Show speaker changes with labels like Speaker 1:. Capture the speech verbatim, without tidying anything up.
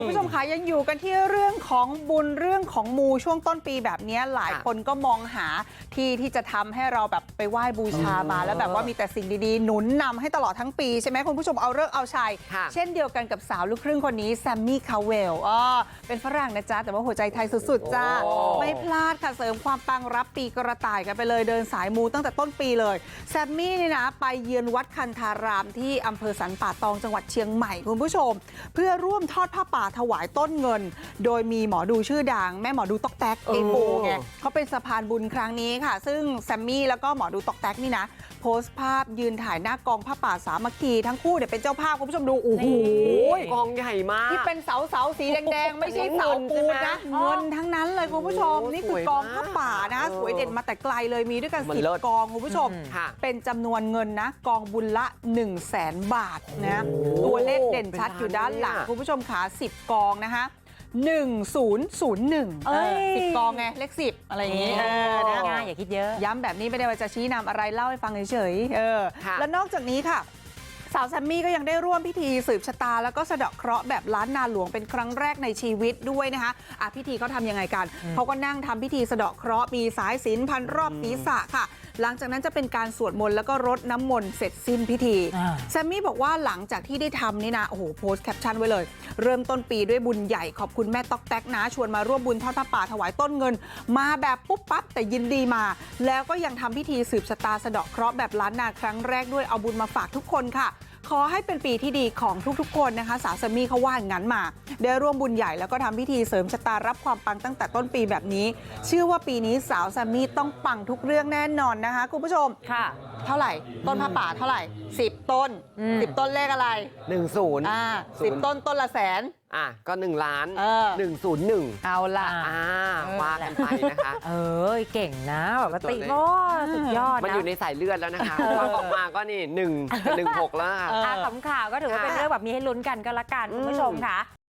Speaker 1: คุณผู้ชมคะยังอยู่กันที่เรื่องของบุญเรื่องของมูช่วงต้นปีแบบนี้หลายคนก็มองหาที่ที่จะทำให้เราแบบไปไหว้บูชามาแล้วแบบว่ามีแต่สิ่งดีๆหนุนนำให้ตลอดทั้งปีใช่ไหมคุณผู้ชมเอาเลิกเอาชัยเช่นเดียวกันกับสาวลูกครึ่งคนนี้แซมมี่คาเวลอ๋อเป็นฝรั่งนะจ๊ะแต่ว่าหัวใจไทยสุดๆจ้าไม่พลาดค่ะเสริมความปังรับปีกระต่ายกันไปเลยเดินสายมูตั้งแต่ต้นปีเลยแซมมี่นี่นะไปเยือนวัดคันธารามที่อำเภอสันป่าตองจังหวัดเชียงใหม่คุณผู้ชมเพื่อร่วมทอดผ้าป่าถวายต้นเงินโดยมีหมอดูชื่อดังแม่หมอดูตอกแตกเอโบไงเขาเป็นสะพานบุญครั้งนี้ค่ะซึ่งแซมมี่แล้วก็หมอดูตอกแตกนี่นะโพสต์ภาพยืนถ่ายหน้ากองผ้าป่าสามัคคีทั้งคู่เนี่ยเป็นเจ้าภาพคุณผู้ชมดูโอ้โห
Speaker 2: กองใหญ่มาก
Speaker 1: ที่เป็นเสาเสาสีแดงๆไม่ใช่เสาปูนนะเงินทั้งนั้นเลยคุณผู้ชมนี่คือกองผ้าป่านะสวยเด่นมาแต่ไกลเลยมีด้วยกันสิบกองคุณผู้ชมเป็นจำนวนเงินนะกองบุญละหนึ่งแสนบาทนะตัวเลขเด่นชัดอยู่ด้านหลังคุณผู้ชมขาสิบกองนะคะหนึ่งศูนย์ศูนย์หนึ่งสิบกองไงเลขสิบอะไรอย่างงี้
Speaker 3: ง่ายอย่าคิดเยอะ
Speaker 1: ย้ำแบบนี้ไม่ได้ว่าจะชี้นำอะไรเล่าให้ฟังเฉยๆเออแล้วนอกจากนี้ค่ะสาวแซมมี่ก็ยังได้ร่วมพิธีสืบชะตาแล้วก็สะเดาะเคราะห์แบบล้านนาหลวงเป็นครั้งแรกในชีวิตด้วยนะคะอ่ะพิธีเขาทำยังไงกันเขาก็นั่งทำพิธีสะเดาะเคราะห์มีสายสิญจน์พันรอบศีรษะค่ะหลังจากนั้นจะเป็นการสวดมนต์แล้วก็รดน้ำมนต์เสร็จสิ้นพิธีแซมมี่บอกว่าหลังจากที่ได้ทำนี่นะโอ้โหโพสต์แคปชั่นไว้เลยเริ่มต้นปีด้วยบุญใหญ่ขอบคุณแม่ต๊อกแต๊กนะชวนมาร่วมบุญทอดผ้าป่าถวายต้นเงินมาแบบปุ๊บปั๊บแต่ยินดีมาแล้วก็ยังทำพิธีสืบชะตาสะเดาะเคราะห์แบบล้านนาครั้งแรกด้วยเอาบุญมาฝากทุกคนค่ะขอให้เป็นปีที่ดีของทุกๆคนนะคะสาวแซมมี่เขาว่าอย่างนั้นมาได้ร่วมบุญใหญ่แล้วก็ทำพิธีเสริมชะตารับความปังตั้งแต่ต้นปีแบบนี้เชื่อว่าปีนี้สาวแซมมี่ต้องปังทุกเรื่องแน่นอนนะคะคุณผู้ชม
Speaker 3: ค่ะ
Speaker 1: เท่าไหร่ต้นผ้าป่าเท่าไหร่สิบต้นสิบต้นเลขอะไร
Speaker 2: หนึ่งศูนย์
Speaker 1: อ่าสิบต้นต้นละแสน
Speaker 2: อ่ะก็หนึ่งล้าน
Speaker 1: เออ
Speaker 2: หนึ่งศูนย์หนึ่ง
Speaker 1: เอาล่ะ
Speaker 2: อ่าว่ากันไปนะคะ
Speaker 3: เออเก่งนะแบบว่าติโม่สุดยอดนะ
Speaker 2: มันอยู่ในสายเลือดแล้วนะคะว่าออกมาก็นี่หนึ่งกับหนึ่งหกแล้วค่ะ
Speaker 3: อ่าขำข่าวก็ถือว่าเป็นเรื่องแบบนี้ให้ลุ้นกันก็แล้วกันคุณผู้ชมค่ะ